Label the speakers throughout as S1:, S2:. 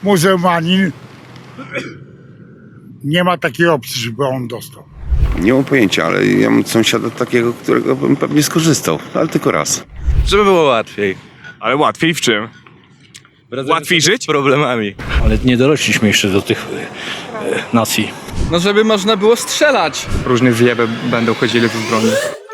S1: muzułmanin, nie ma takiej opcji, żeby on dostał.
S2: Nie mam pojęcia, ale ja mam sąsiada takiego, którego bym pewnie skorzystał, ale tylko raz.
S3: Żeby było łatwiej.
S4: Ale łatwiej w czym? Łatwiej żyć?
S3: Z problemami.
S5: Ale nie dorośliśmy jeszcze do tych nacji.
S6: No żeby można było strzelać.
S4: Różne zjeby będą chodzili tu z broni.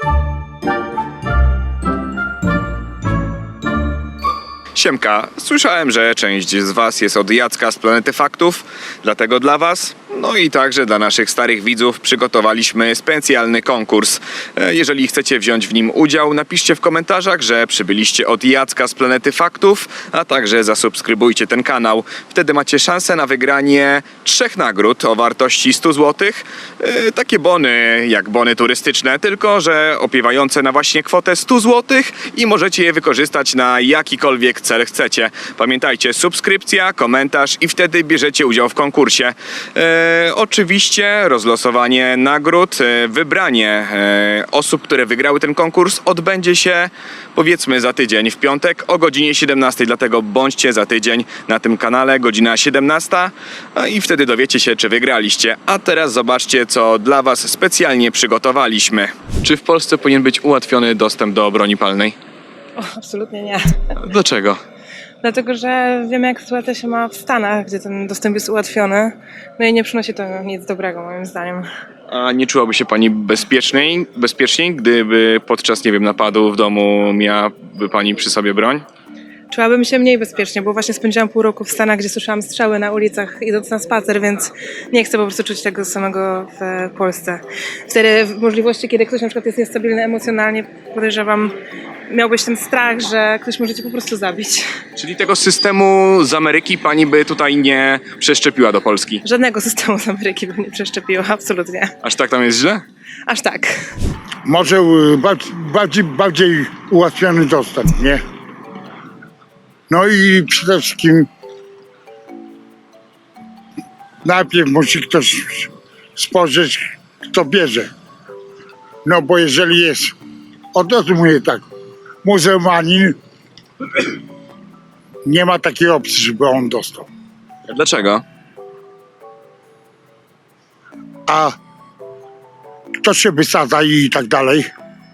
S7: Siemka, słyszałem, że część z was jest od Jacka z Planety Faktów, dlatego dla was, no i także dla naszych starych widzów przygotowaliśmy specjalny konkurs. Jeżeli chcecie wziąć w nim udział, napiszcie w komentarzach, że przybyliście od Jacka z Planety Faktów, a także zasubskrybujcie ten kanał. Wtedy macie szansę na wygranie 3 nagród o wartości 100 zł. Takie bony, jak bony turystyczne, tylko że opiewające na właśnie kwotę 100 zł i możecie je wykorzystać na jakikolwiek cel chcecie. Pamiętajcie, subskrypcja, komentarz i wtedy bierzecie udział w konkursie. Oczywiście rozlosowanie nagród, wybranie osób, które wygrały ten konkurs odbędzie się powiedzmy za tydzień w piątek o godzinie 17, dlatego bądźcie za tydzień na tym kanale, godzina 17 i wtedy dowiecie się, czy wygraliście. A teraz zobaczcie, co dla was specjalnie przygotowaliśmy. Czy w Polsce powinien być ułatwiony dostęp do broni palnej?
S8: O, absolutnie nie.
S7: Dlaczego?
S8: Dlatego, że wiemy, jak sytuacja się ma w Stanach, gdzie ten dostęp jest ułatwiony. No i nie przynosi to nic dobrego, moim zdaniem.
S7: A nie czułaby się pani bezpieczniej, gdyby podczas, nie wiem, napadu w domu miałaby pani przy sobie broń?
S8: Czułabym się mniej bezpiecznie, bo właśnie spędziłam pół roku w Stanach, gdzie słyszałam strzały na ulicach idąc na spacer, więc nie chcę po prostu czuć tego samego w Polsce. Wtedy w możliwości, kiedy ktoś na przykład jest niestabilny emocjonalnie, podejrzewam, miałbyś ten strach, że ktoś może cię po prostu zabić.
S7: Czyli tego systemu z Ameryki pani by tutaj nie przeszczepiła do Polski?
S8: Żadnego systemu z Ameryki bym nie przeszczepiła, absolutnie.
S7: Aż tak tam jest źle?
S8: Aż tak.
S1: Może bardziej ułatwiony dostęp, nie? No i przede wszystkim najpierw musi ktoś spojrzeć, kto bierze. No bo jeżeli jest, od razu mówię tak, muzułmanin, nie ma takiej opcji, żeby on dostał.
S7: Dlaczego?
S1: A kto się wysadza i tak dalej?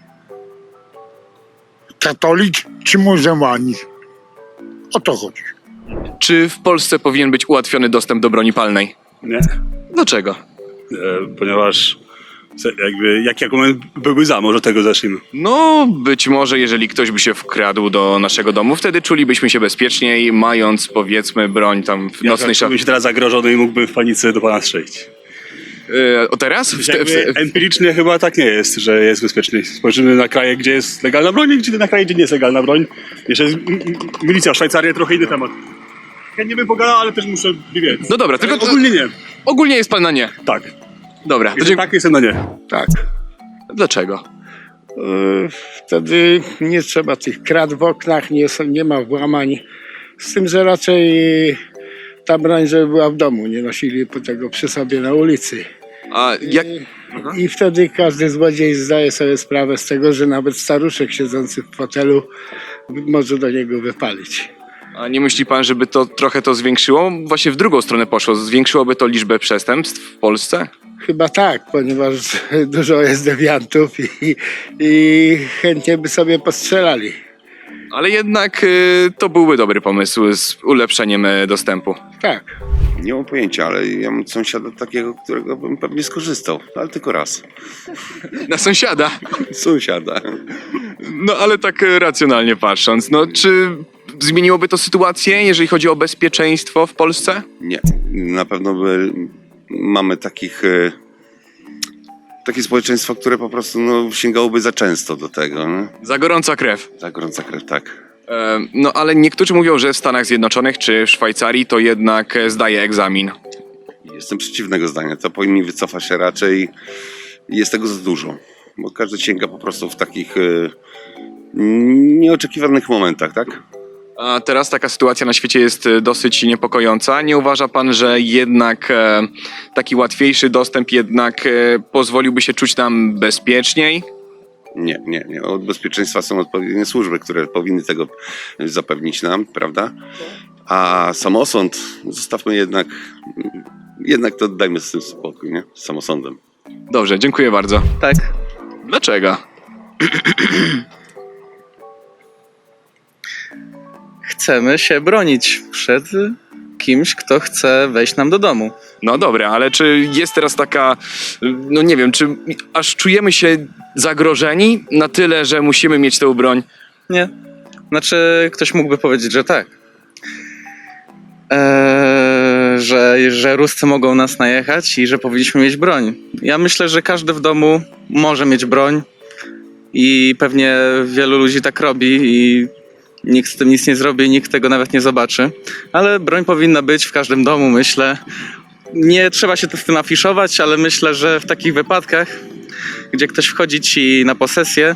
S1: Katolik czy muzułmanin? O to chodzi.
S7: Czy w Polsce powinien być ułatwiony dostęp do broni palnej?
S9: Nie,
S7: Dlaczego?
S9: ponieważ jaki argument byłby za, może od tego zacznijmy.
S7: No, być może jeżeli ktoś by się wkradł do naszego domu, wtedy czulibyśmy się bezpieczniej, mając powiedzmy broń tam w nocnej szafie.
S9: Czułbym się teraz zagrożony i mógłbym w panice do pana strzelić.
S7: O teraz?
S9: Empirycznie chyba tak nie jest, że jest bezpiecznie. Spojrzymy na kraje, gdzie jest legalna broń, i na kraje, gdzie nie jest legalna broń. Jeszcze jest milicja, Szwajcaria, trochę inny temat. Ja nie bym pogadał, ale też muszę wiedzieć.
S7: No dobra, tylko
S9: Ogólnie nie.
S7: ogólnie jest pan na nie.
S9: Tak.
S7: Dobra, to
S9: Jeżeli tak, jestem na nie.
S10: Tak.
S7: Dlaczego?
S10: Wtedy nie trzeba tych krat w oknach, nie ma włamań. Z tym, że raczej ta broń, żeby była w domu, nie nosili tego przy sobie na ulicy.
S7: A jak...
S10: I wtedy każdy złodziej zdaje sobie sprawę z tego, że nawet staruszek siedzący w fotelu może do niego wypalić.
S7: A nie myśli pan, żeby to trochę to zwiększyło? Właśnie w drugą stronę poszło. Zwiększyłoby to liczbę przestępstw w Polsce?
S10: Chyba tak, ponieważ dużo jest dewiantów i chętnie by sobie postrzelali.
S7: Ale jednak to byłby dobry pomysł z ulepszeniem dostępu.
S10: Tak.
S2: Nie mam pojęcia, ale ja mam sąsiada takiego, którego bym pewnie skorzystał, ale tylko raz.
S7: Na sąsiada.
S2: Sąsiada.
S7: No ale tak racjonalnie patrząc, no czy zmieniłoby to sytuację, jeżeli chodzi o bezpieczeństwo w Polsce?
S2: Nie, na pewno mamy takie społeczeństwo, które po prostu sięgałoby za często do tego. No?
S7: Za gorąca krew.
S2: Za gorąca krew, tak.
S7: No ale niektórzy mówią, że w Stanach Zjednoczonych czy w Szwajcarii to jednak zdaje egzamin.
S2: Jestem przeciwnego zdania, to powinni wycofać się raczej. Jest tego za dużo, bo każdy sięga po prostu w takich nieoczekiwanych momentach, tak?
S7: A teraz taka sytuacja na świecie jest dosyć niepokojąca. Nie uważa pan, że jednak taki łatwiejszy dostęp jednak pozwoliłby się czuć nam bezpieczniej?
S2: Nie. Od bezpieczeństwa są odpowiednie służby, które powinny tego zapewnić nam, prawda? A samosąd, zostawmy jednak to dajmy z tym spokój, nie? Z samosądem.
S7: Dobrze, dziękuję bardzo.
S6: Tak.
S7: Dlaczego?
S6: Chcemy się bronić przed kimś, kto chce wejść nam do domu.
S7: No dobra, ale czy jest teraz taka, no nie wiem, czy aż czujemy się zagrożeni na tyle, że musimy mieć tę broń?
S6: Nie. Znaczy, ktoś mógłby powiedzieć, że tak. Że Ruscy mogą nas najechać i że powinniśmy mieć broń. Ja myślę, że każdy w domu może mieć broń i pewnie wielu ludzi tak robi i nikt z tym nic nie zrobi i nikt tego nawet nie zobaczy. Ale broń powinna być w każdym domu, myślę. Nie trzeba się z tym afiszować, ale myślę, że w takich wypadkach, gdzie ktoś wchodzi ci na posesję,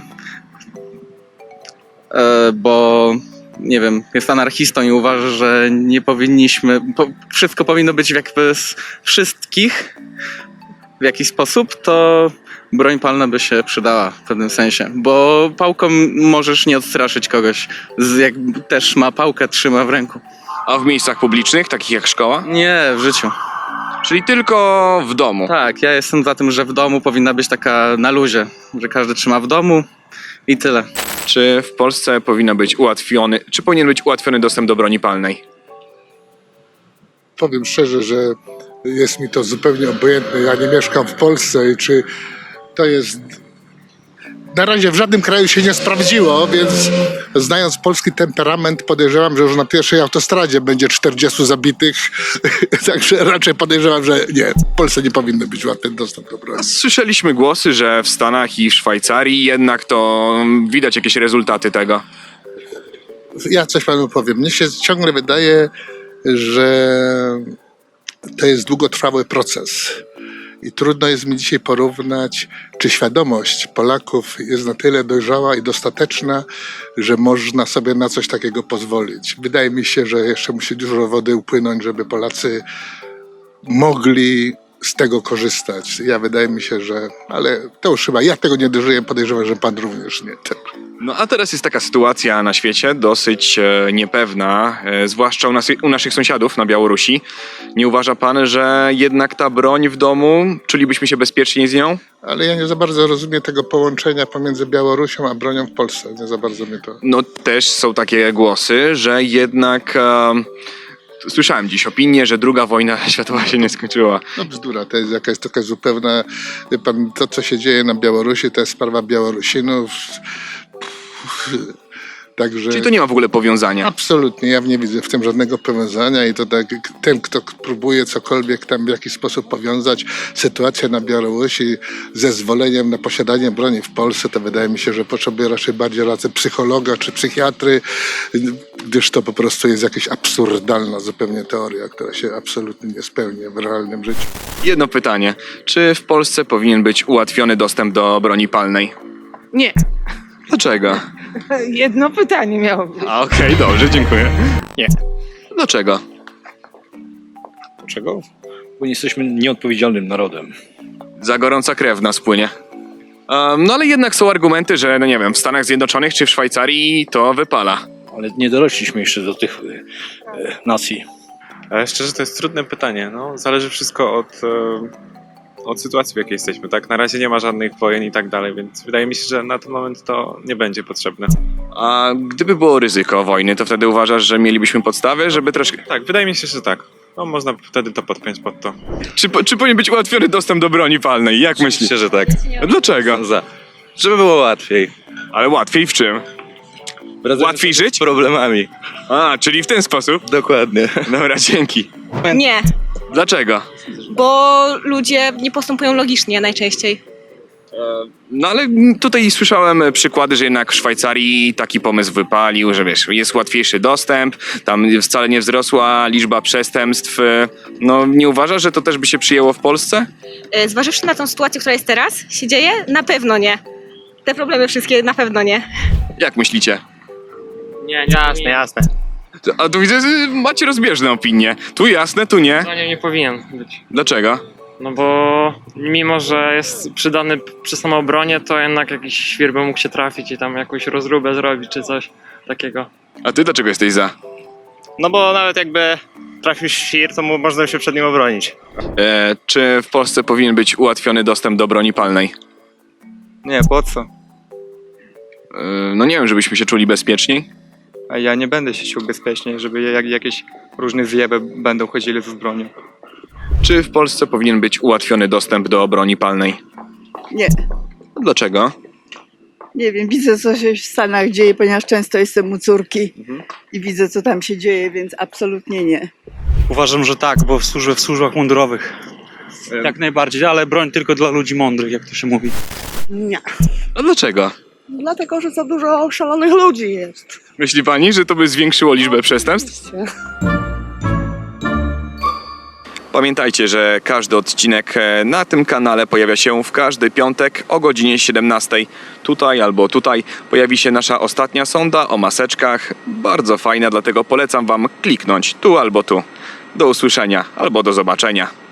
S6: bo nie wiem, jest anarchistą i uważa, że nie powinniśmy, wszystko powinno być jakby z wszystkich w jakiś sposób, to broń palna by się przydała w pewnym sensie, bo pałką możesz nie odstraszyć kogoś, jak też ma pałkę, trzyma w ręku.
S7: A w miejscach publicznych, takich jak szkoła?
S6: Nie, w życiu.
S7: Czyli tylko w domu.
S6: Tak, ja jestem za tym, że w domu powinna być taka na luzie, że każdy trzyma w domu i tyle.
S7: Czy w Polsce powinien być ułatwiony dostęp do broni palnej?
S3: Powiem szczerze, że jest mi to zupełnie obojętne. Ja nie mieszkam w Polsce i czy to jest... Na razie w żadnym kraju się nie sprawdziło, więc znając polski temperament podejrzewam, że już na pierwszej autostradzie będzie 40 zabitych. Także raczej podejrzewam, że nie, w Polsce nie powinno być łatwy dostęp do broni.
S7: Słyszeliśmy głosy, że w Stanach i w Szwajcarii jednak to widać jakieś rezultaty tego.
S3: Ja coś panu powiem. Mnie się ciągle wydaje, że to jest długotrwały proces. I trudno jest mi dzisiaj porównać, czy świadomość Polaków jest na tyle dojrzała i dostateczna, że można sobie na coś takiego pozwolić. Wydaje mi się, że jeszcze musi dużo wody upłynąć, żeby Polacy mogli z tego korzystać. Wydaje mi się, że... Ale to już chyba, ja tego nie dożyję, podejrzewam, że pan również nie.
S7: No a teraz jest taka sytuacja na świecie dosyć niepewna, zwłaszcza u naszych sąsiadów na Białorusi. Nie uważa pan, że jednak ta broń w domu, czulibyśmy się bezpiecznie z nią?
S3: Ale ja nie za bardzo rozumiem tego połączenia pomiędzy Białorusią a bronią w Polsce. Nie za bardzo mnie to...
S7: No też są takie głosy, że jednak... Słyszałem dziś opinię, że II wojna światowa się nie skończyła.
S3: No bzdura, to jest jakaś taka zupełna... Wie pan, to co się dzieje na Białorusi, to jest sprawa Białorusinów. Także...
S7: Czyli to nie ma w ogóle powiązania?
S3: Absolutnie, ja nie widzę w tym żadnego powiązania i to tak, ten, kto próbuje cokolwiek tam w jakiś sposób powiązać sytuację na Białorusi ze zezwoleniem na posiadanie broni w Polsce, to wydaje mi się, że potrzebuje raczej bardziej rady psychologa czy psychiatry, gdyż to po prostu jest jakaś absurdalna zupełnie teoria, która się absolutnie nie spełnia w realnym życiu.
S7: Jedno pytanie. Czy w Polsce powinien być ułatwiony dostęp do broni palnej?
S8: Nie.
S7: Dlaczego?
S8: Jedno pytanie miało być.
S7: Okej, dobrze, dziękuję.
S5: Nie.
S7: Dlaczego?
S5: Dlaczego? Bo nie jesteśmy nieodpowiedzialnym narodem.
S7: Za gorąca krew nas płynie. No ale jednak są argumenty, że no nie wiem, w Stanach Zjednoczonych czy w Szwajcarii to wypala.
S5: Ale nie dorośliśmy jeszcze do tych nacji.
S4: Ale szczerze, to jest trudne pytanie. No, zależy wszystko od sytuacji, w jakiej jesteśmy. Tak, na razie nie ma żadnych wojen i tak dalej, więc wydaje mi się, że na ten moment to nie będzie potrzebne.
S7: A gdyby było ryzyko wojny, to wtedy uważasz, że mielibyśmy podstawy, żeby troszkę...
S4: Tak, wydaje mi się, że tak. No, można wtedy to podpiąć pod to.
S7: Czy powinien być ułatwiony dostęp do broni palnej? Jak myślisz?
S11: Myślę, że tak.
S7: Dlaczego?
S11: Żeby było łatwiej.
S7: Ale łatwiej w czym? Łatwiej żyć?
S11: Z problemami.
S7: A, czyli w ten sposób?
S11: Dokładnie.
S7: Dobra, dzięki.
S12: Nie,
S7: Dlaczego?
S12: bo ludzie nie postępują logicznie najczęściej.
S7: No ale tutaj słyszałem przykłady, że jednak w Szwajcarii taki pomysł wypalił, że wiesz, jest łatwiejszy dostęp, tam wcale nie wzrosła liczba przestępstw. No nie uważasz, że to też by się przyjęło w Polsce?
S12: Zważywszy na tą sytuację, która jest teraz, się dzieje, na pewno nie. Te problemy wszystkie na pewno nie.
S7: Jak myślicie?
S11: Nie, jasne.
S7: A tu widzę, że macie rozbieżne opinie. Tu jasne, tu nie.
S13: Zdaniem nie powinien być.
S7: Dlaczego?
S13: No bo mimo, że jest przydany przy samoobronie, to jednak jakiś świr by mógł się trafić i tam jakąś rozróbę zrobić czy coś takiego.
S7: A ty dlaczego jesteś za?
S11: No bo nawet jakby trafił świr, to można się przed nim obronić.
S7: Czy w Polsce powinien być ułatwiony dostęp do broni palnej?
S6: Nie, po co?
S7: No nie wiem, żebyśmy się czuli bezpieczniej.
S6: A ja nie będę się czuł bezpiecznie, żeby jakieś różne zjeby będą chodzili z bronią.
S7: Czy w Polsce powinien być ułatwiony dostęp do broni palnej?
S14: Nie,
S7: Dlaczego?
S14: nie wiem, widzę co się w Stanach dzieje, ponieważ często jestem u córki i widzę co tam się dzieje, więc absolutnie nie.
S5: Uważam, że tak, bo służę w służbach mundurowych. Jak najbardziej, ale broń tylko dla ludzi mądrych, jak to się mówi.
S14: Nie,
S7: A dlaczego?
S14: dlatego że za dużo szalonych ludzi jest.
S7: Myśli pani, że to by zwiększyło liczbę przestępstw? Pamiętajcie, że każdy odcinek na tym kanale pojawia się w każdy piątek o godzinie 17. Tutaj albo tutaj pojawi się nasza ostatnia sonda o maseczkach. Bardzo fajna, dlatego polecam wam kliknąć tu albo tu. Do usłyszenia albo do zobaczenia.